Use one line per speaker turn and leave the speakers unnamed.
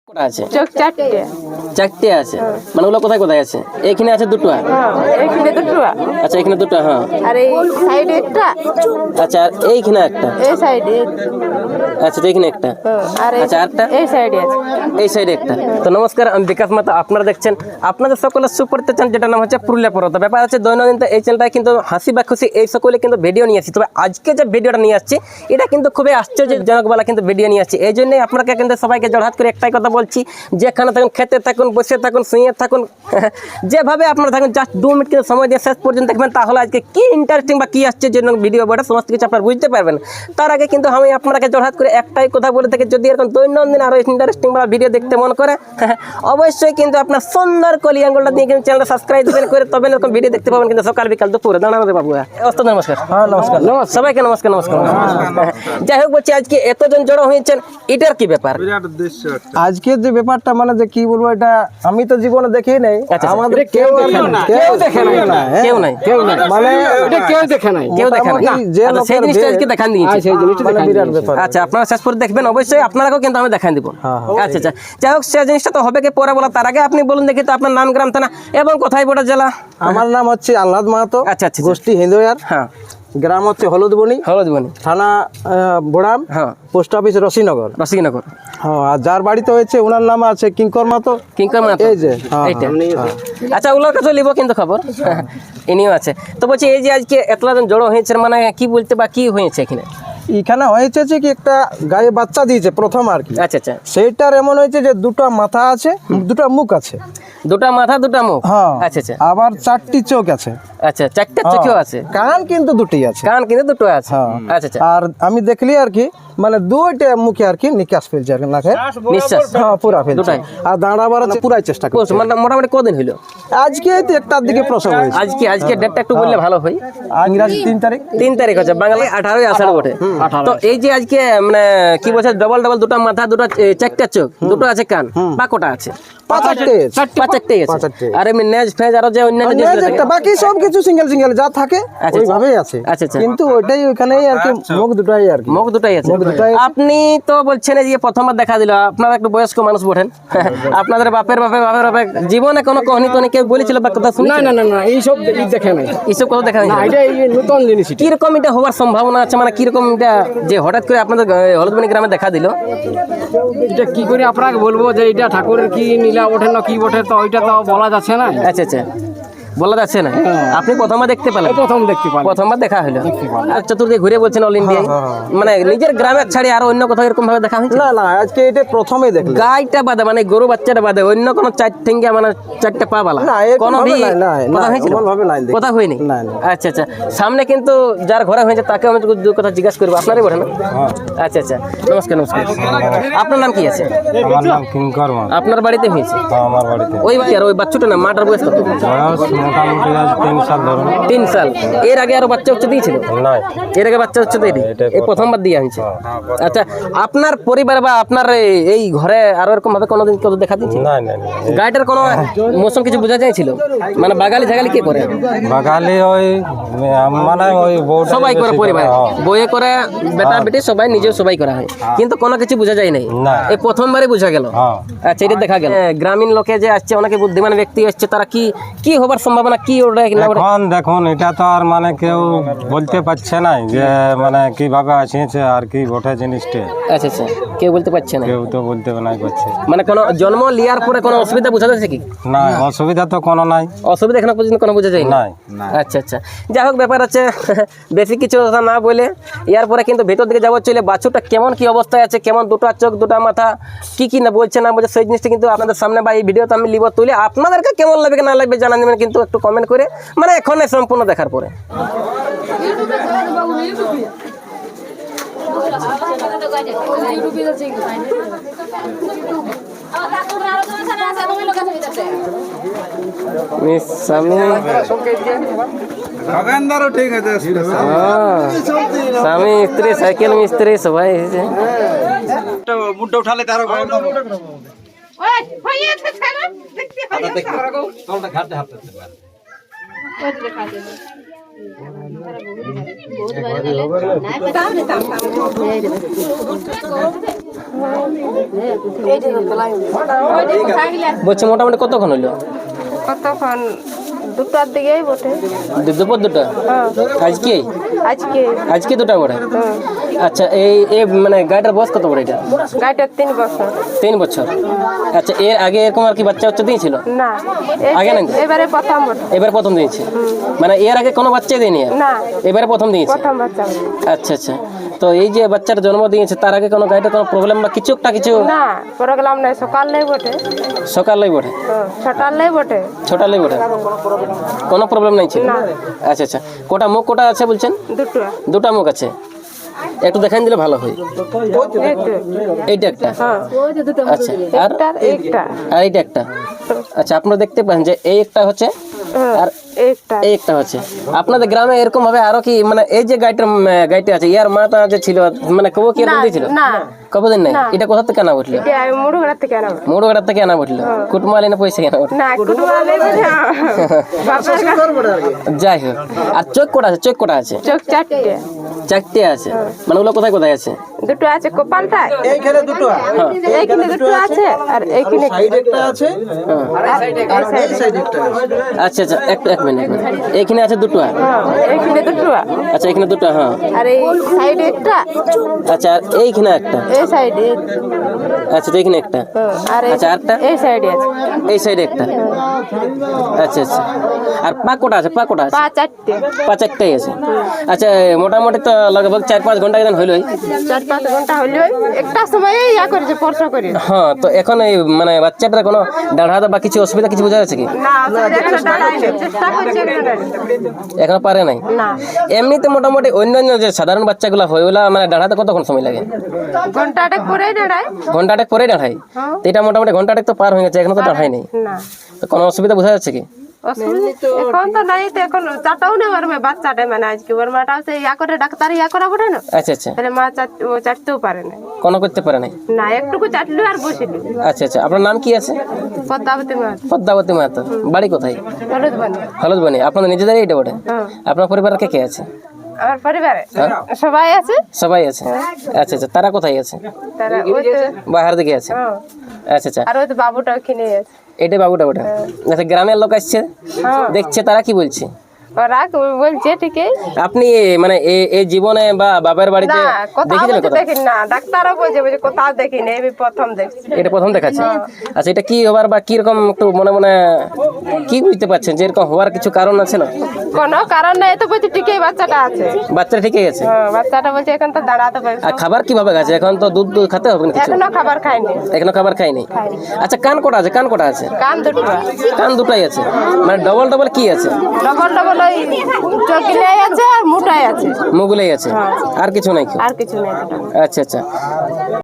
কটা আছে?
চোখ চারটে।
চারটে আছে, মানে ওগুলো কোথায় কোথায় আছে? এখানে আছে দুটো।
এইখানে দুটো।
আচ্ছা, এখানে দুটো। হ্যাঁ,
আর এই সাইডে একটা।
আচ্ছা, আর এইখানে একটা।
এই সাইডে।
আচ্ছা, তো এইখানে একটা।
আর
আচ্ছা, আরটা
এই সাইডে আছে।
এই সাইডে একটা। তো নমস্কার, আমি বিকাশ মাতা। আপনারা দেখছেন আপনাদের সকলের সুপরিচিত চ্যানেল, যেটা নাম হচ্ছে পুরুলিয়া পর্বত। ব্যাপার হচ্ছে দৈনন্দিন এই চ্যানেলটায় কিন্তু হাসি বা খুশি এই সকলে কিন্তু ভিডিও নিয়ে আসছি। তবে আজকে যে ভিডিওটা নিয়ে আসছি এটা কিন্তু খুবই আশ্চর্যজনক বলা কিন্তু ভিডিও নিয়ে আসছি। এই জন্যই আপনাকে কিন্তু সবাইকে জড়হাত করে একটাই কথা বলছি, যেখানে থাকুন, খেতে থাকুন, বসে থাকুন, শুয়ে থাকুন, যেভাবে আপনারা থাকুন, জাস্ট 2 মিনিট কিন্তু সময় দিয়ে শেষ পর্যন্ত দেখবেন। তাহলে আজকে কি ইন্টারেস্টিং বা কি আশ্চর্যজনক ভিডিও বটে সমস্ত কিছু আপনারা বুঝতে পারবেন। তার আগে কিন্তু আমি আপনাকে জড়হাত করে একটাই কথা বলে থাকি, যদি এরকম দৈনন্দিন আরও ইন্টারেস্টিং বা ভিডিও দেখতে মন করে অবশ্যই কিন্তু আপনার সুন্দর কলি আঙ্গুলটা দিয়ে কিন্তু চ্যানেলটা সাবস্ক্রাইব করে তবে এরকম ভিডিও দেখতে পাবেন কিন্তু সকাল বিকাল দুপুরে। দাঁড়ানো বাবু, অস্ত নমস্কার।
হ্যাঁ, নমস্কার।
সবাইকে নমস্কার। নমস্কার। যাই হোক, বলছি আজকে এতজন জড়ো হয়েছেন, এটার কি ব্যাপার?
আজকের যে ব্যাপারটা মানে যে কি বলবো, এটা আমি তো জীবনে দেখেই নাই।
আচ্ছা,
আমাদের
কেউ দেখে নাই,
মানে
এটা কেউ দেখে নাই।
কেউ দেখে নাই।
যে
আচ্ছা, সেই জিনিসটা আজকে দেখান দিয়েছি।
সেই জিনিসটা
মানে বিরাট ব্যাপার।
আচ্ছা, আপনারা শেষ করে দেখবেন অবশ্যই, আপনারাও কিন্তু আমি দেখান দিব। আচ্ছা আচ্ছা, যাই হোক, সেই জিনিসটা তো হবে কি পরে বলা, তার আগে আপনি বলুন দেখি তো আপনার নাম, গ্রাম, থানা এবং কোথায় বড় জেলা?
আমার নাম হচ্ছে আহ্লাদ মাহাতো।
আচ্ছা আচ্ছা,
গোষ্ঠী হিন্দুয়ার।
হ্যাঁ,
গ্রাম হচ্ছে হলুদবনি,
হলদবনি।
থানা বোড়াম,
হ্যাঁ,
পোস্ট অফিস রশিনগর।
রসিকনগর।
হ্যাঁ, আর যার বাড়িতে হয়েছে ওনার নাম আছে কিঙ্কর মাহাতো।
কিঙ্কর মাহাতো।
এই যে, হ্যাঁ,
এইটা। আচ্ছা, ওগুলোর কাছে নিব কিন্তু খবর। ইনিও আছে। তো বলছি এই যে আজকে এতজন জড়ো হয়েছে, মানে কি বলতে বা কি হয়েছে এখানে?
এখানে হয়েছে যে কি একটা গায়ে বাচ্চা দিয়েছে প্রথম আর কি।
আচ্ছা আচ্ছা,
সেইটার এমন হয়েছে যে দুটো মাথা আছে, দুটো মুখ আছে।
দুটা মাথা দুটা মুখ।
হ্যাঁ,
আচ্ছা আচ্ছা
আবার 4টি চোখ আছে।
আচ্ছা, চারটা চোখও আছে,
কান কিন্তু দুটি আছে।
কান কিন্তু দুটো আছে।
হ্যাঁ।
আচ্ছা আচ্ছা,
আর আমি দেখলি আর কি মানে দুইটা মুখে আর কি নিকাশ ফেলছে আর কি, নাকে
নিঃশ্বাস।
হ্যাঁ পুরা ফেলছে।
দুটাই?
আর দাঁড়াবার আছে পুরাই চেষ্টা করছে।
মানে মোটামুটি কদিন হইলো?
আজকে এই তো 1টার দিকে প্রসব হয়েছে।
আজকে ডেটটা একটু বললে ভালো হয়।
ইংরাজি 3 তারিখ।
3 তারিখ হচ্ছে, বাঙালি 18ই আষাঢ় বটে। তো এই যে আজকে মানে কি বলছে, ডবল দুটো মাথা, দুটো চারটা চোখ, দুটো আছে কান, বা কোটা আছে?
5-8
পাঁচটাই আছে।
পাঁচটাই।
আর এমনি নেজ ফেজ আরো যে অন্যান্য জিনিস থাকে,
একটা বাকি সব কিছু সিঙ্গেল সিঙ্গেল যা থাকে
আচ্ছা।
ওইভাবেই আছে।
আচ্ছা আচ্ছা,
কিন্তু ওইটাই ওইখানেই আর কি, মুখ দুটাই আর কি।
মুখ দুটাই আছে।
মুখ দুটাই।
আপনি তো বলছেন এই যে প্রথমবার দেখা দিল, আপনারা একটু বয়স্ক মানুষ বটেন, আপনাদের বাপের জীবনে কোনো কাহিনী তো কেউ বলেছিল বা কথা শুনি?
না না না না, এইসব দেখে নাই।
এইসব কথা দেখা
না, এটা এই নতুন জিনিস।
কিরকম এটা হওয়ার সম্ভাবনা আছে, মানে কিরকম এটা যে হঠাৎ করে আপনাদের হলদবনি গ্রামে দেখা দিল?
এটা কি করে আপনাকে বলবো যে এটা ঠাকুরের কি নীলা ওঠে না কি ওঠে, তো ওইটা তো বলা যাচ্ছে না।
আচ্ছা আচ্ছা, বলা যাচ্ছে না। আপনি প্রথমবার দেখতে পেলেন?
প্রথম দেখতে পাই।
প্রথমবার দেখা হলো। আর চতুর্দিকে ঘুরে বলছেন অল ইন্ডিয়ায়, মানে নিজের গ্রামের ছাড়ি আর অন্য কোথাও এরকম ভাবে দেখা হয়েছে?
না না, আজকে এটা প্রথমেই দেখলাম।
গাইটা বাদে, মানে গরু বাচ্চাটা বাদে অন্য কোনো 4 ঠেঙ্গা মানে 4টা পা বালা
না, এরকম
কোনো
ভাবে
ভি
নাই, না,
কথা হয়েছিল?
এমন ভাবে নাই দেখি।
কথা হয়নি?
না, না।
আচ্ছা আচ্ছা, সামনে কিন্তু যার ঘরে হয়েছে তাকে আমি দু কথা জিজ্ঞাসা করবো, আপনারই বটে না? আচ্ছা আচ্ছা, নমস্কার। নমস্কার, আপনার নাম কি আছে?
আমার নাম কিঙ্কর মাহাতো।
আপনার বাড়িতে হয়েছে?
আমার বাড়িতে
ওই বাচ্চার, ওই বাচ্চাটা না, মাটার বয়স কত?
বয়স মোটামুটি 3 সাল ধরুন।
3 সাল। এর আগে আরো বাচ্চা হচ্ছে দিয়েছিল?
নাই,
এর আগে বাচ্চা হচ্ছে দেয়নি, এই প্রথমবার দিয়ে আনছে। আচ্ছা, আপনার পরিবার বা আপনার এই ঘরে আরো এরকম ভাবে কোনোদিন কেউ দেখা দিয়েছে?
নাই নাই।
গাড়িটার কোনো মৌসুম কিছু বোঝা যাইছিল? মানে বাগালি ঝাগালি কে করে?
বাগালি ওই মানে ওই বউটা
সবাই করে, পরিবার বইয়ে করে, বেটা বেটি সবাই, নিজেও সবাই করা হয়, কিন্তু কোনো কিছু বোঝা যায় নাই।
না।
এই প্রথমবারই বোঝা গেল। আচ্ছা, এটা দেখা গেল। গ্রামীণ লোকে যে আসছে, অনেকে বুদ্ধিমান ব্যক্তি আসছে, তারা কি কি হবার সম্ভাবনা কি ওটা না ওটা?
এখন দেখুন, এটা তো আর মানে কেউ বলতে পারছে না যে মানে কিভাবে আসিয়েছে আর কি বটে জিনিসটা।
আচ্ছা আচ্ছা, কেউ বলতে পারছে না,
কেউ তো বলতে নাই পারছে।
মানে কোনো জন্ম লিয়ার পরে কোনো অসুবিধা বোঝা যাচ্ছে কি?
না, অসুবিধা তো কোনো নাই।
অসুবিধা এখনো পর্যন্ত কোনো বোঝা যায় না?
নাই।
আচ্ছা আচ্ছা, যাই হোক, ব্যাপার আছে বেশি কিছু কথা না বলে ইয়ার পরে কিন্তু ভেতর দিকে যাবো। চলে বাছুরটা কেমন কি অবস্থায় আছে, কেমন দুটো চোখ দুটো মাথা, কি কি না বলছে না বলছে, সেই জিনিসটা কিন্তু আপনাদের সামনে বা এই ভিডিওতে আমি লিব তুলে, আপনাদেরকে কেমন লাগবে না লাগবে জানান দেবেন কিন্তু একটু কমেন্ট করে, মানে এখন সম্পূর্ণ দেখার পরে। স্বামী স্বামী স্ত্রী সাইকেল মিস্ত্রি সবাই এসেছে।
মুডটা উঠালে তার
বলছি মোটামুটি কতক্ষণ হইলো?
কতক্ষণ? 2টার দিকেই বটে।
দুপুর 2টা?
হ্যাঁ,
আজকে
আজকে।
আজকে 2টা বটে?
হ্যাঁ,
আচ্ছা, এই মানে গাড়িটার বয়স কত বড় এটা?
গাড়িটা 3 বছর।
3 বছর। আচ্ছা, এর আগে এরকম আর কি বাচ্চা দিয়েছিল?
না,
আগে নাকি?
এবারে প্রথম বটে।
এবার প্রথম দিয়েছে? মানে এর আগে কোনো বাচ্চা দেয়নি আর?
না,
এবারে প্রথম দিয়েছে?
প্রথম বাচ্চা।
আচ্ছা আচ্ছা, তো এই যে বাচ্চার জন্ম দিয়েছে তার আগে কোনো গাড়িটা কোনো প্রবলেম বা কিছু?
না, প্রোগ্রাম নাই, সকালেই বটে।
সকালেই বটে?
হ্যাঁ, 6টালেই বটে।
ছোটালেই বটে? কোনো প্রবলেম নাই ছিল?
না।
আচ্ছা আচ্ছা, কোটা মুখ কোটা আছে বলছেন?
2টা।
2টা মুখ আছে, একটু দেখান দিলে ভালো হয়। এইটা একটা?
হ্যাঁ,
আচ্ছা, আর
একটা।
আর এইটা একটা? আচ্ছা, আপনারা দেখতে পান যে এই একটা হচ্ছে আর
একটা।
এই একটা হচ্ছে। আপনাদের গ্রামে এরকম ভাবে আরো কি মানে এই যে গাইটা আছে ইয়ার মাটা যে ছিল মানে কবো কি এরকম দিয়েছিল?
না,
কবদিন নাই? এটা কোথা থেকে আনা উঠলো?
এটা মুড়ুঘাট থেকে আনা।
মোড়ঘাট থেকে আনা উঠলো? কুটমালি না পয়সা কেনা উঠলো?
না, কুটুমালেই বটে। বাবার
যাই হোক, আর চোখ কোটা আছে? চোখ কোটা আছে?
চোখ 4টে।
4টে আছে? মানে ওগুলো কোথায় কোথায় আছে?
2টো আছে কপালটায়।
এইখানে 2টো
এইখানে 2টো আছে আর এইখানে
সাইড একটা আছে, এই সাইড একটা আছে।
আচ্ছা আচ্ছা, এক মিনিট। এইখানে আছে 2টো?
এইখানে 2টো।
আচ্ছা, এখানে 2টো। হ্যাঁ,
আর এই সাইডে একটা।
আচ্ছা, আর এইখানে একটা?
এই সাইডে।
আচ্ছা, তো এইখানে একটা।
আর
আচ্ছা, আরটা?
এই সাইডে আছে।
এই সাইডে একটা? আচ্ছা আচ্ছা, আর পা কোটা আছে? পা কোটা আছে?
পা 4টে।
পা 4টাই আছে? আচ্ছা, মোটামুটি তো লগভগ 4-5 ঘন্টা কেন হইলই?
4-5 ঘন্টা হলো। একটা সময় ইয়া করেছে, স্পর্শ করে।
হ্যাঁ, তো এখন এই মানে বাচ্চাটার কোনো দাঁড়াতে বা কিছু অসুবিধা কিছু বোঝা যাচ্ছে কি?
না, একটা দাঁড়ায় না, চেষ্টা করছে একটা।
এখনো পারে নাই?
না,
এমনিতে মোটামুটি অন্যান্য যে সাধারণ বাচ্চাগুলো হয় ওগুলা মানে দাঁড়াতে কতক্ষণ সময় লাগে?
ঘন্টাটা করে দাঁড়ায়।
ঘন্টাটেক পরে দাঁড়ায়? তো এটা মোটামুটি ঘন্টাটেক তো পার হয়ে গেছে, এখনো তো দাঁড়ায় নাই।
না,
তো কোনো অসুবিধা বোঝা যাচ্ছে কি?
এখন তো নাই, তো এখন চাটাও না পারবে বাচ্চাটা, মানে আজকে ওর মাটাও সে ইয়া করে ডাক্তার ইয়া করা বটে না,
আচ্ছা আচ্ছা,
তাহলে মা চাটতেও পারে না।
কোনো করতে পারে নাই?
না, একটুকু চাটলো আর বসিল।
আচ্ছা আচ্ছা, আপনার নাম কি আছে?
পদ্মাবতী মা।
পদ্মাবতী মাহাতো। বাড়ি কোথায়?
হলুদ বানি।
হলদবনি। আপনাদের নিজেদেরই এটা বটে?
হ্যাঁ,
আপনার পরিবারে কে কে আছে?
আমার পরিবারে সবাই আছে।
সবাই আছে? আচ্ছা আচ্ছা, তারা কোথায় আছে?
তারা ওই তো,
বাহার দিকে আছে?
হ্যাঁ,
আচ্ছা আচ্ছা,
আর ওই তো বাবুটা ওখানে আছে।
এটা বাবুটা ওটা? আচ্ছা, গ্রামের লোক আসছে দেখছে, তারা কি বলছে?
ওরা বলছে ঠিকই।
আপনি মানে এই জীবনে বা বাবার বাড়িতে
না, কোথাও
দেখেছিলেন
বলতে
কোথাও?
দেখি না, ডাক্তারও বলছে কোথাও দেখিনি, আমি প্রথম দেখছি।
এটা প্রথম দেখাচ্ছে? আচ্ছা, এটা কি হবার বা কি রকম একটু মনে মনে কি বুঝতে পারছেন যে এরকম হওয়ার কিছু কারণ আছে না?
কোনো কারণ নাই, তো বলছে ঠিকই বাচ্চাটা আছে।
বাচ্চাটা ঠিকই আছে?
হ্যাঁ, বাচ্চাটা বলছে এখন তো দাঁড়াতে পারছে।
আর খাবার কিভাবে খাচ্ছে এখন? তো দুধ খেতে হবে না কিছু?
এখনো খাবার খায়নি।
এখনো খাবার খাইনি? আচ্ছা, কান কোটা আছে? কান কোটা আছে?
কান 2টো।
কান 2টাই আছে? মানে ডবল ডবল কি আছে?
ডবল ডবল ওই চকিলাই আছে আর মুটাই আছে,
মুগুলাই আছে? আর কিছু নাই?
আর কিছু নেই।
আচ্ছা আচ্ছা।